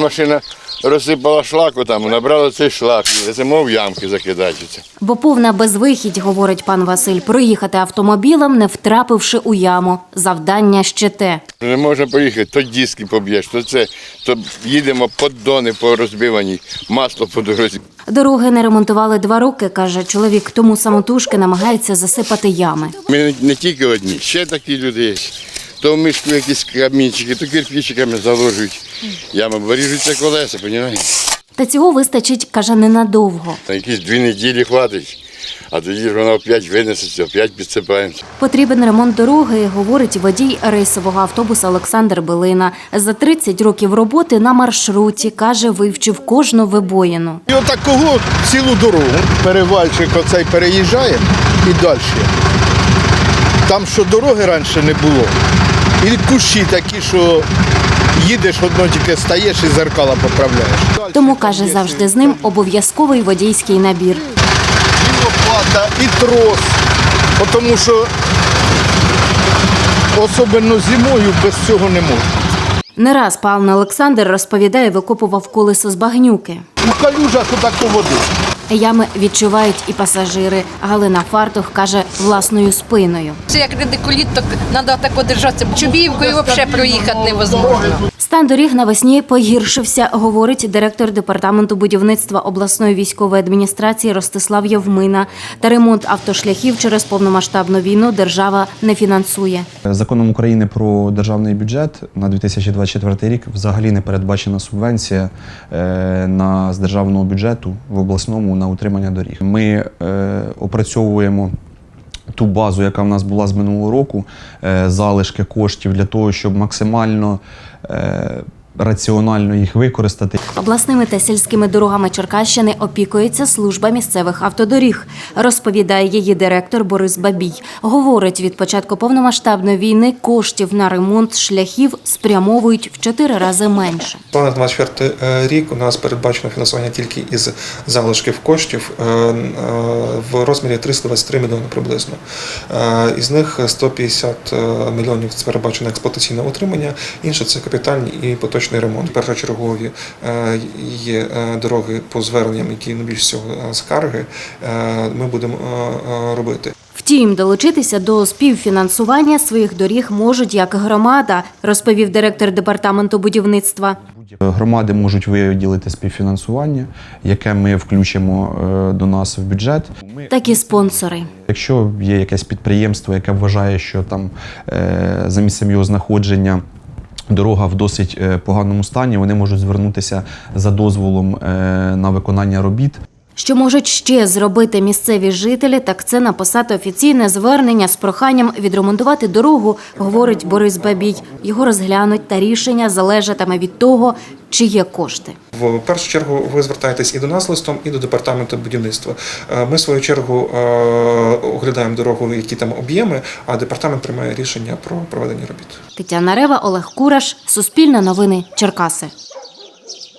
машина розсипала шлаку, там, набрала цей шлак, і це мов ямки закидаються. Бо повна безвихідь, говорить пан Василь, проїхати автомобілем, не втрапивши у яму. Завдання ще те. Не можна поїхати, то диски поб'єш, то їдемо поддони порозбивані, масло по дорозі. Дороги не ремонтували 2 роки, каже чоловік, тому самотужки намагається засипати ями. Ми не тільки одні, ще такі люди є. То в мішку якісь камінчики, то кирпичиками заложують ями, бо ріжуться колеса, розумієте? Та цього вистачить, каже, ненадовго. На якісь 2 неділі хватить, а тоді ж вона опять винесеться, опять підсипаємося. Потрібен ремонт дороги, говорить водій рейсового автобуса Олександр Билина. За 30 років роботи на маршруті, каже, вивчив кожну вибоїну. І отакого цілу дорогу. Перевальчик оцей переїжджає і далі. Там, що дороги раніше не було, і кущі такі, що їдеш, одно тільки стаєш і зеркала поправляєш. Тому, каже, завжди з ним обов'язковий водійський набір. І лопата, і трос, тому що особливо зимою без цього не можна. Не раз пан Олександр, розповідає, викопував колесо з багнюки. У калюжах отаку воду. Ями відчувають і пасажири. Галина Фартух каже, власною спиною. Це як радикуліт, то треба так держатися. Чубівкою взагалі проїхати невозможно. Стан доріг навесні погіршився, говорить директор департаменту будівництва обласної військової адміністрації Ростислав Євмина. Та ремонт автошляхів через повномасштабну війну держава не фінансує. Законом України про державний бюджет на 2024 рік взагалі не передбачена субвенція з державного бюджету в обласному на утримання доріг. Ми опрацьовуємо ту базу, яка в нас була з минулого року, залишки коштів для того, щоб максимально раціонально їх використати. Обласними та сільськими дорогами Черкащини опікується служба місцевих автодоріг, розповідає її директор Борис Бабій. Говорить, від початку повномасштабної війни коштів на ремонт шляхів спрямовують в 4 рази менше. На 24 рік у нас передбачено фінансування тільки із залишків коштів в розмірі 323 мільйони приблизно. Із них 150 мільйонів – це передбачено експлуатаційне утримання, інше – це капітальні і поточні ремонт. Першочергові є дороги по зверненням, які найбільш всього скарги, ми будемо робити. Втім, долучитися до співфінансування своїх доріг можуть як громада, розповів директор департаменту будівництва. Громади можуть виділити співфінансування, яке ми включимо до нас в бюджет. Так і спонсори. Якщо є якесь підприємство, яке вважає, що там за місцем його знаходження дорога в досить поганому стані, вони можуть звернутися за дозволом на виконання робіт. Що можуть ще зробити місцеві жителі, так це написати офіційне звернення з проханням відремонтувати дорогу, говорить Борис Бабій. Його розглянуть та рішення залежатиме від того, чи є кошти. В першу чергу ви звертаєтесь і до нас листом, і до департаменту будівництва. Ми, в свою чергу, оглядаємо дорогу, які там об'єми, а департамент приймає рішення про проведення робіт. Тетяна Рева, Олег Кураш, Суспільне новини, Черкаси.